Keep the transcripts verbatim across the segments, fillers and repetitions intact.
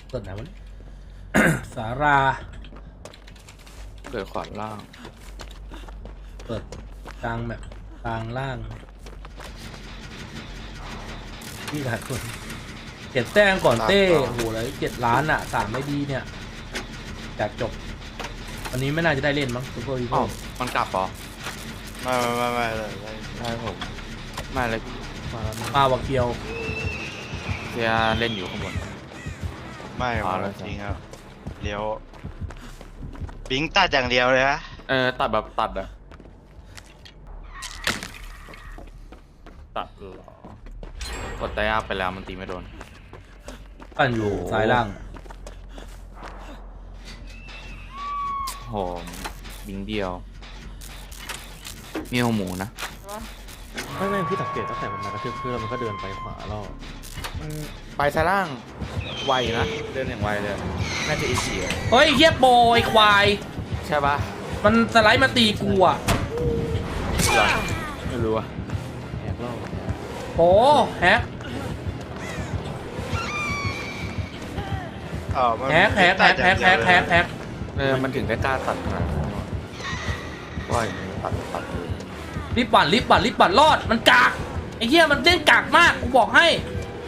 เกิดไหนวะ สาราเกิดขวาล่างเปิดกลางแบบกลางล่างนี่หลายคนเจ็ดแต้มก่อนเต้โอ้โหเลยเจ็ดล้านอ่ะสามไม่ดีเนี่ยจากจบวันนี้ไม่น่าจะได้เล่นมั้งซูเปอร์ฮีอ๋อโร่มันกลับเหรอไม่ไม่ไม่ไม่เลยไม่ใช่ผมไม่เลยมาแล้วนะปาวาเกียวเทียเล่นอยู่ข้างบนไม่อ๋อไม่แล้วจริงครับเลี้ยวบิงตัดอย่างเดียวเลยนะเออตัดแบบตัดอะตัดเหรอกดไตอัพไปแล้วมันตีไม่โดนปั่นอยู่ซ้ายล่างโหบิงเดียวมีหัวหมูนะไม่ไม่พี่สังเกตตั้งแต่มันมากระทืบเพื่อนมันก็เดินไปขวาแล้วมันไปซ้ายล่างไวนะเดินอย่างไวเลยน่าจะเอเชียเฮ้ยเฮียโบยควายใช่ปะมันสไลด์มาตีกูอ่ะเหรอไม่รู้อะแหกล่อโอ้แฮกอ๋อมันแฮกแฮกแฮกแฮกแฮกแฮกแฮกเออมันถึงได้กล้าตัดขนาดนั้นว่าอย่างนี้ตัดตัดเลยรีบปั่นรีบปั่นรีบปั่นรอดมันกากไอ้เหี้ยมันเล่นกากมากกูบอกให้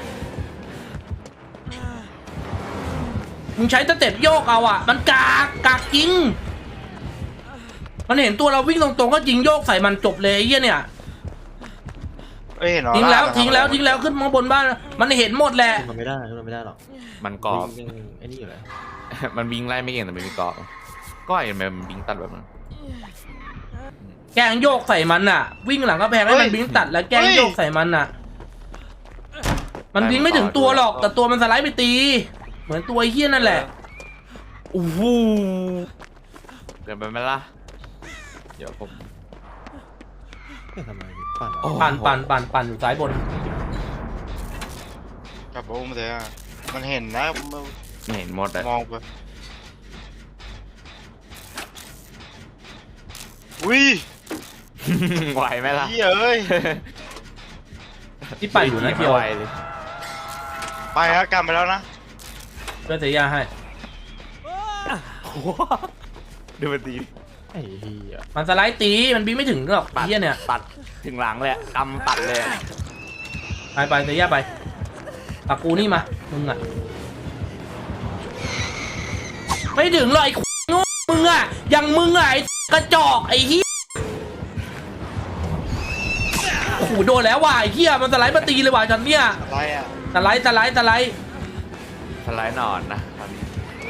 มึงใช้สเต็ปโยกเอาอ่ะมันกากกากจริงมันเห็นตัวเราวิ่งตรงๆก็จริงโยกใส่มันจบเลยไอ้เหี้ยเนี่ยเอ้ยเห็นเหรอทิ้งแล้วาทิ้งแล้วทิ้งแล้วขึ้นมาบนบ้านมันเห็นหมดแหละขึ้นมาไม่ได้ขึ้นมาไม่ได้หรอกมันกรอบยังไอ้นี่อยู่เลยมันบิงไล่ไม่เก่งแต่มันมีกรอบก็เห็นไหมมันบิงตัดแบบนั้นแกล้งโยกใส่มันอ่ะ วิ่งหลังก็แพงให้มันบิงตัดแล้วแกล้งโยกใส่มันอ่ะ มันบิงไม่ถึงตัวหรอกแต่ตัวมันสไลด์ไปตี เหมือนตัวไอ้เหี้ยนั่นแหละโอ้โหเดินไปไหมล่ะเดี๋ยวผมไม่ทำไมพี่ปั่นเหรอโอ้ปั่นปั่นปั่นปั่นอยู่ซ้ายบนกลับอุ้มเลยอ่ะมันเห็นนะมันไม่เห็นหมดเลยมองไปอุ้ยไหวไหมล่ะเหี้ยเอ้ยที่ปั่นอยู่นะเทียวไหวเลยไปครับกลับไปแล้วนะเพื่อนเสียยาให้ดูมันดีไอ้เหี้ยมันสไลด์ตีมันบิงไม่ถึงหรอกไอ้ปัดเหี้ยเนี่ยปัดถึงหลังเลยอะกำปัดเลยอะไปไปเสียยาไปปากกูนี่มามึงอ่ะไม่ถึงหรอกไอ้โง่มึงอ่ะอย่างมึงอ่ะไอ้กระจอกไอ้เหี้ยโอ้โหโดนแล้วว่ะไอ้เหี้ยมันสไลด์มาตีเลยว่ะฉันเนี่ยอะไรอ่ะสไลด์สไลด์สไลด์สไลด์นอนนะตอนนี้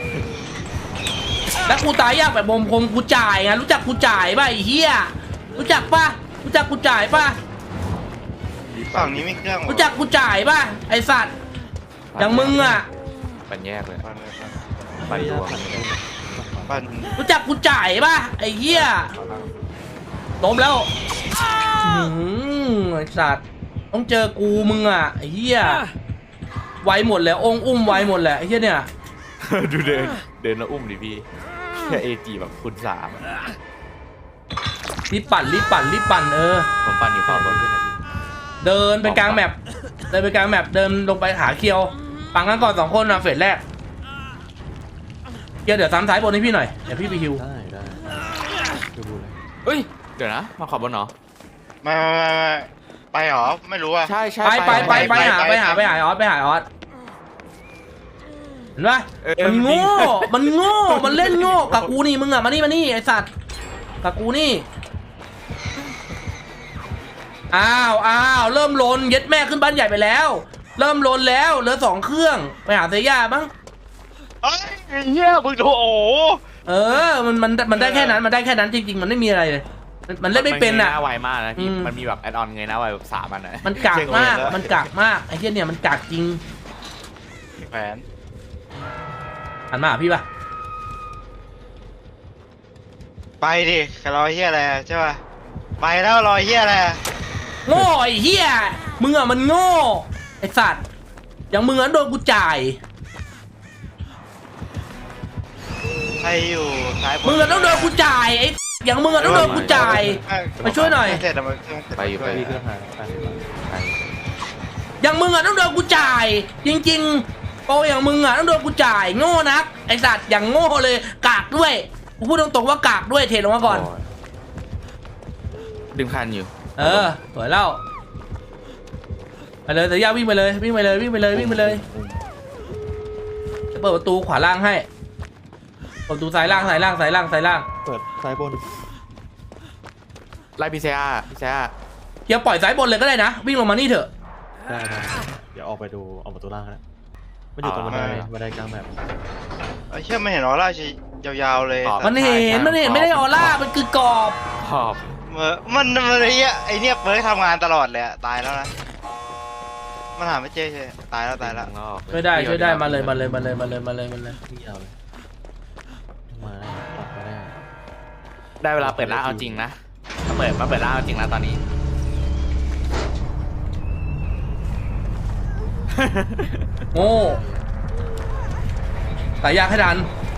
แล้วกูตายยากแบบบมคมกูจ่ายไงรู้จักกูจ่ายป่ะไอ้เหี้ยรู้จักป่ะรู้จักกูจ่ายป่ะฝั่งนี้ไม่เครื่องเหอรู้จักกูจ่ายป่ะไอสัตว์อย่างมึงอ่ะปันแยกเลยปั่นเลยปั่นปันรวมปั่นรู้จักกูจ่ายป่ะไอ้เหี้ยล้มแล้วอื้อหือไอสัตว์ต้องเจอกูมึงอ่ะไอ้เหี้ยไวหมดแหละองค์อุ้มไวหมดแหละไอ้เหี้ยเนี่ยดูเดินเดินแล้วอุ้มดิพี่แค่เอจีแบบคูณสามรีบปั่นรีบปั่นรีบปั่นเออผมปั่นอยู่ขวาบนด้วยนะพี่เดินไปกลางแมปเดินไปกลางแมปเดินลงไปหาเคียวปังกันก่อนสองคนนะเฟสแรกเคียวเดี๋ยวซ้ำท้ายบนให้พี่หน่อยเดี๋ยวพี่ไปฮิวได้ได้ดูดูเลยเฮ้ยเดี๋ยวนะมาขวาบนเหรอไม่ไม่ไม่ไม่ไปเหรอไม่รู้อ่ะใช่ใช่ไปไปไปไปไปหาไปไปหาไปหาออสไปหาออสเห็นปะเออมันโง่มันโง่มันเล่นโง่กับกูนี่มึงอ่ะมานี่มานี่ไอสัตว์กับกูนี่อ้าวอ้าวเริ่มลนเย็ดแม่ขึ้นบ้านใหญ่ไปแล้ว เริ่มลนแล้วเหลือสองเครื่องไปหาเซย่าบ้างเอ้ยเหี้ยมึงโถโอ้เออมันมันมันได้แค่นั้นมันได้แค่นั้นจริงๆมันไม่มีอะไรเลยมันมันเล่นไม่เป็นอ่ะมังยหาไวมากนะพี่อืมมันมีแบบแอดออนไงนะไวแบบสามอันนะมันกากมากมันกากมากไอ้เหี้ยเนี่ยมันกากจริงแผนหันมาหาพี่ป่ะไปดิรอเหี้ยอะไรใช่ป่ะไปแล้วรอเหี้ยอะไรโง่ไอ้เหี้ยมึงอ่ะมันโง่ไอ้สัตว์อย่างมึงอ่ะโดนกูจ่ายใครอยู่ซ้ายบนมึงอ่ะต้องโดนกูจ่ายไอ้อย่างมึงอ่ะต้องโดนกูจ่าย ไปช่วยหน่อยเสร็จแล้วมันเครื่องเสร็จไปอยู่ไปพี่เครื่องหายไปไปอย่างมึงอ่ะต้องโดนกูจ่ายจริงโปรอย่างมึงอ่ะต้องโดนกูจ่ายโง่นักไอสัตว์อย่างโง่เลยกากด้วยกูพูดตรงๆว่ากากด้วยเทลงมาก่อนดึงคันอยู่เออสวยแล้วไปเลยแต่ย่าวิ่งไปเลยวิ่งไปเลยวิ่งไปเลยวิ่งไปเลยจะเปิดประตูขวาล่างให้เปิดประตูซ้ายล่างซ้ายล่างซ้ายล่างซ้ายล่างเปิดซ้ายบนไล่พีเซียพีเซียเฮียปล่อยซ้ายบนเลยก็ได้นะวิ่งลงมานี่เถอะได้ได้เดี๋ยวออกไปดูออกประตูล่างนะมันอยู่ตรงบันไดบันไดกลางแบบไอ้เชี่ยไม่เห็นออร่าชียาวๆเลยมันเห็นมันเห็นไม่ได้ออร่ามันคือกรอบขอบเมื่อมันมันไอ้เนี้ยไอ้เนี้ยเปิดทำงานตลอดเลยอะตายแล้วนะมันหาไม่เจอใช่ตายแล้วตายแล้วช่วยได้ช่วยได้มาเลยมาเลยมาเลยมาเลยมาเลยมาเลยที่ยาวเลยมาได้ออกมาได้ได้เวลาเปิดร้านเอาจริงนะมาเปิดมาเปิดร้านเอาจริงแล้วตอนนี้โง่แต่ยากให้ดัน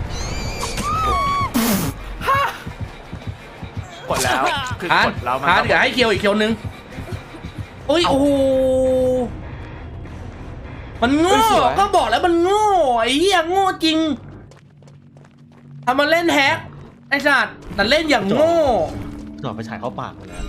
กดแล้วคือฮาร์กดดแล้วมันฮาร์ดอย่าให้เคียวอีกเคียวนึงโอ้ยโอ้โหมันโง่ก็บอกแล้วมันโง่ไอ้เหี้ยโง่จริงทำมาเล่นแฮกไอ้สัตว์แต่เล่นอย่างโง่หนอนไปฉายเข้าปากหมดแล้ว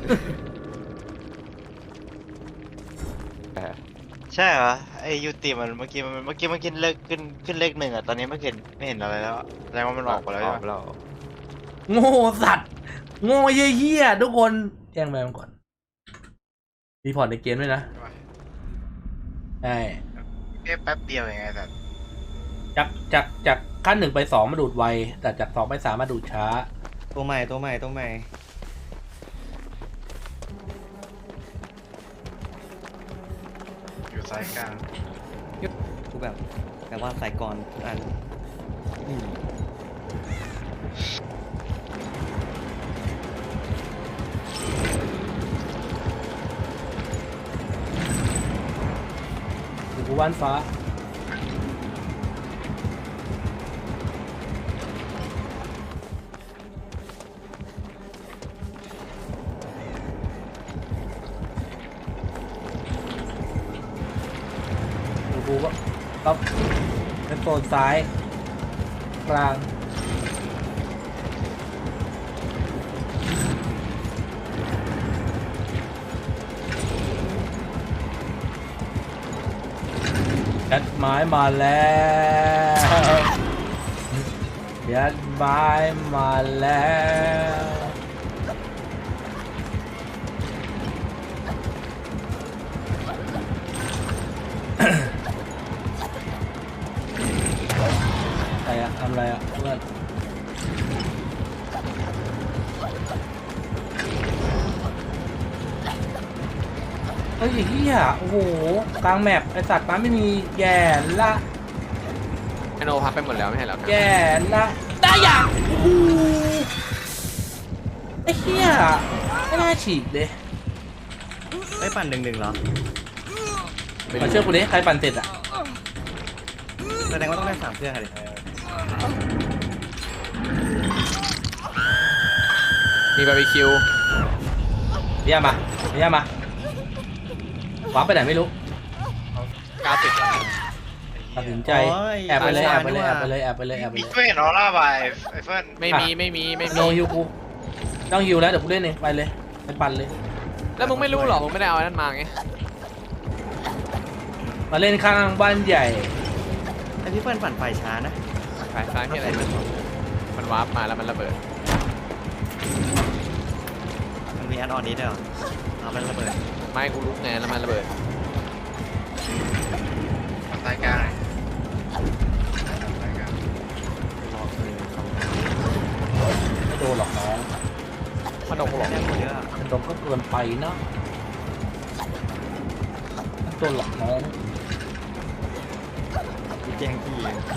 ใช่เหรอไอ้ยูติมันเมื่อกี้มันเมื่อกี้มันขึ้นเลขขึ้นขึ้นเลขหนึ่งอะตอนนี้ไม่เห็นไม่เห็นอะไรแล้วอะแสดงว่ามันออกไปแล้วอใช่อกไหมแล้วโง่สัตว์โง่เหี้ยๆทุกคนแจ้งแมวก่อนรีพอร์ตในเกมด้วยนะใช่แค่แป๊บเดียวเองไงแต่จากจากจากขั้นหนึ่งไปสองมาดูดไวแต่จากสองไปสามมาดูดช้าตัวใหม่ตัวใหม่ตัวใหม่อยู่ซ้ายกลางกูแบบแต่ว่าใส่ก่อนทุกอันนี่อยู่กูบ้านฟ้าอยู่กูก็ครับเป็นโซนซ้ายกลางยัดไม้มาแล้วยัดไม้มาแล้วอะไรอะทำอะไรอะเพื่อนเฮ้ยไอ้เหี้ยโอ้โหกลางแมปไอสัตว์มันไม่มีแย่ละไอโนพับไปหมดแล้วไม่ใช่เหรอครับแย่ละได้อย่างโอ้โหไอ้เหี้ยไม่น่าฉีกเลยได้ปั่นหนึ่งหนึ่งเหรอมาเชื่อกูดิใครปั่นเสร็จอ่ะแสดงว่าต้องได้สามเครื่องอะไรมีบาร์บีคิวเยี่ยมมาเยี่ยมมาว้าร์ปไปไหนไม่รู้เก้าสิบตัดสินใจแอบไปเลยแอบไปเลยแอบไปเลยแอบไปเลยแอบไปมีเลยไม่เห็นออร่าไปไอ้เฟิร์นไม่มีไม่มีไม่โนมีฮิวกูต้องฮิวแล้วเดี๋ยวกูเล่นเองไปเลยไปปั่นเลยแล้วมึงไม่รู้หรอมึงไม่ได้เอาอันนั้นมาไงมาเล่นข้างบ้านใหญ่ไอพี่เปิ้ลปั่นไฟช้านะสายซ้ายที่อะไรมันมันวาร์ปมาแล้วมันระเบิดมันมีแอดออนนี้ด้วยเหรอเอามันระเบิดไม้กูลุกไงแล้วมันระเบิดซ้ายกลางรอเลยสองไม่โดนหรอกน้องขนมหรอกแค่หมดเยอะมันโดนก็เกินไปนะไม่โดนหรอกน้องมีแจ้งที่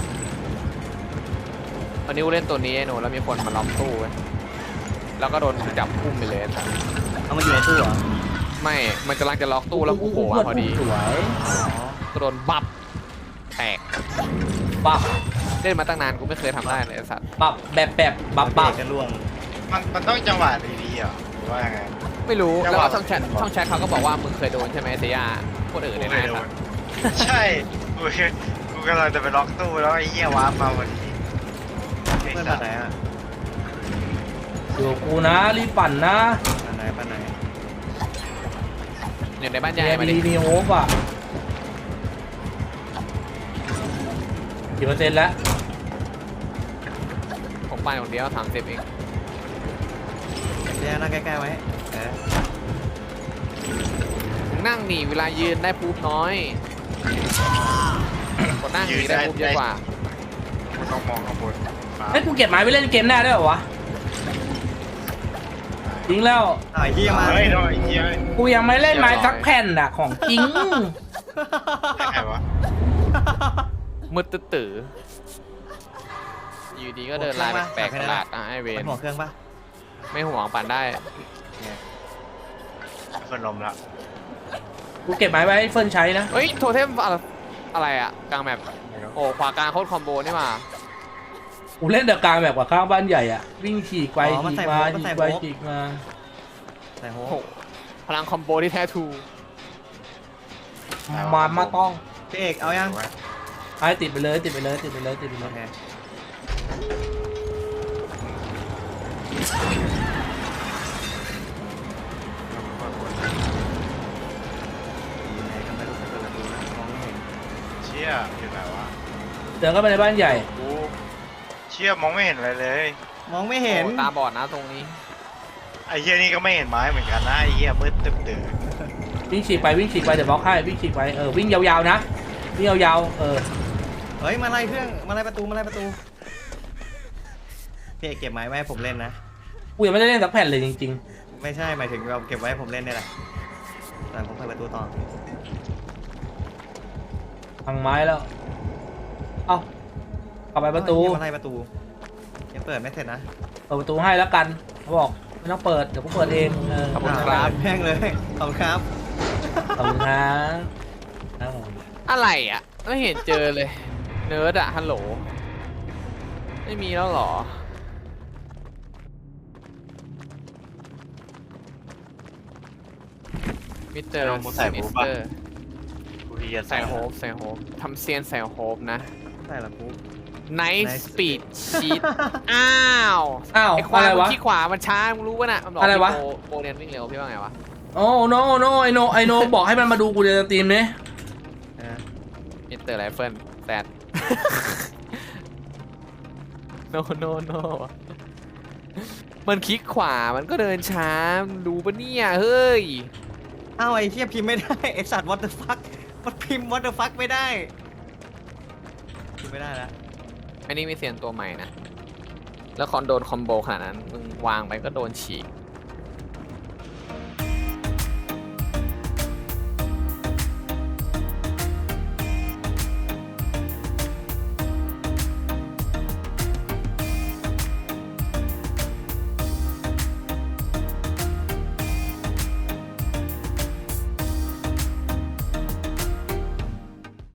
วันนี้กูเล่นตัวนี้ไอโนแล้วมีคนมาล้อมตู้ไว้แล้วก็โดนจับพุ่มไปเลยเอามาอยู่ในตู้เหรอไม่มันกำลังจะล็อกตู้แล้วกูโผล่มาพอดีสวยก็โดนบับแตกปับเล่นมาตั้งนานกูไม่เคยทำได้เลยไอ้สัตว์ปับแบบแบบบับบับับบ กันล่วงมันมันต้องจังหวะดีๆอ่ะหรือว่ายังไงไม่รู้จังแล้วหวะก็ช่องแชทช่องแชทเขาก็บอกว่ามึงเคยโดนใช่ไหมเซียคนอื่นเนี่ยนะไอ้สัตว์ใช่กูเคยกูกูกำลังจะไปล็อกตู้แล้วไอ้เหี้ยวาร์ปมาวันนี้เพื่อนมาไหนอ่ะอยู่กับกูนะรีบปั่นนะมาไหนมาไหนอยู่ในบ้านใหแกญ่มาดิดีมีโฮปอ่ะกี่เปอร์เซ็นต์แล้วผมไปคนเดียวสามสิบเองแย่นั่งใกล้ๆไว้เออนั่งหนีเวลายืนได้ปุ๊บน้อยคนนั่งหนีได้ปุ๊บเยอะกว่ากูต้องมองข้างบนฟ้าเฮ้ยกูเก็บไม้ไปเล่นเกมหน้าได้เหรอวะจริงแล้วอ้าวไอ้เหี้ยมาเฮ้ยน้อยเหี้ยกูยังไม่เล่นไม้สักแผ่นอ่ะของจริงใครวะมืดตื้อๆอยู่ดีก็เดินลายแปลกๆประหลาดอ่ะไอเวเป็น นหัวเครื่องปะไม่ห่วงปั่นได้เฟิร์นลมละกูเก็บไม้ไว้ให้เฟิร์นใช้นะเฮ้ยโทเทมอะไรอะไรอ่ะกลางแมปโอ้ขวากลางโคตรคอมโบนี่มากูเล่นเดอะกลางแบบกว่าข้างบ้านใหญ่อ่ะวิ่งฉีกไปอ๋อมันฉีใส่กโฮมาปมันฉีใส่กโฮไปปฉีกมาใส่โฮโอ้โหปพลังคอมโบที่แท้ทรูมามาต้องพี่เอกเอายังไอ้ติดไปเลยติดไปเลยติดไปเลยติดไปเลโอย เคไหนก็ไม่รู้จะเปิดประตูนะมองไม่เห็นเชี่ยอยู่ไหนวะเดินเข้าไปในบ้านใหญ่กูเชี่ยมองไม่เห็นอะไรเลยมองไม่เห็นโอ้ตาบอดนะตรงนี้ไอ้เหี้ยนี่ก็ไม่เห็นไม้เหมือนกันนะไอ้เหี้ยมืดตึ๊บเดือดวิ่งฉีกไปวิ่งฉีกไปเดี๋ยวบล็อกให้วิ่งฉีกไปเออวิ่งยาวๆนะวิ่งยาวๆเออเฮ้ยมาไล่เครื่องมาไล่ประตูมาไล่ประตูพี่เอกเก็บไม้ไว้ให้ผมเล่นนะกูยังไม่ได้เล่นสักแผ่นเลยจริงไม่ใช่หมายถึงเราเก็บไว้ให้ผมเล่นนี่แหละแต่ผมเปิดประตูต่อๆพังไม้แล้วเอ้ากลับไปประตูเฮ้ยมาไล่ประตูยังเปิดไม่เสร็จนะเปิดประตูให้แล้วกันเขาบอกไม่ต้องเปิดเดี๋ยวกูเปิดเองเออขอบคุณครับแม่งเลยขอบคุณครับขอบคุณครับครับผมอะไรอ่ะไม่เห็นเจอเลย เนิร์ดอะฮัลโหลไม่มีแล้วเหรอมิสเตอร์มิสเตอร์กูเรียนใส่โฮปใส่โฮปทำเซียนใส่โฮปนะใช่ละปุ๊บไน Nice ท์สปีดชีตอ้าวอ้าวไอ้ควาอะยไรมันวะขี้ขวามันช้ามึงรู้ป่ะน่ะมันบอกอะไรวะพี่โปโปเรียนวิ่งเร็วพี่ว่าไงวะโอ้โนโนไอโนไอโนบอกให้มันมาดูกูในสตรีมเนี่ยเออมิสเตอร์ไรเฟิลแซด โนโนโนมันคลิกขวามันก็เดินช้ามึงรู้ปะเนี่ยเฮ้ยเอ้าไอ้เทียพิมพ์ไม่ได้ไอ้สัตว์ what the fuck มันพิมพ์ what the fuck ไม่ได้พิมพ์ไม่ได้แล้วอันนี้มีเสียงตัวใหม่นะ แล้วคอนโดนคอมโบขนาดนั้น มึงวางไปก็โดนฉีก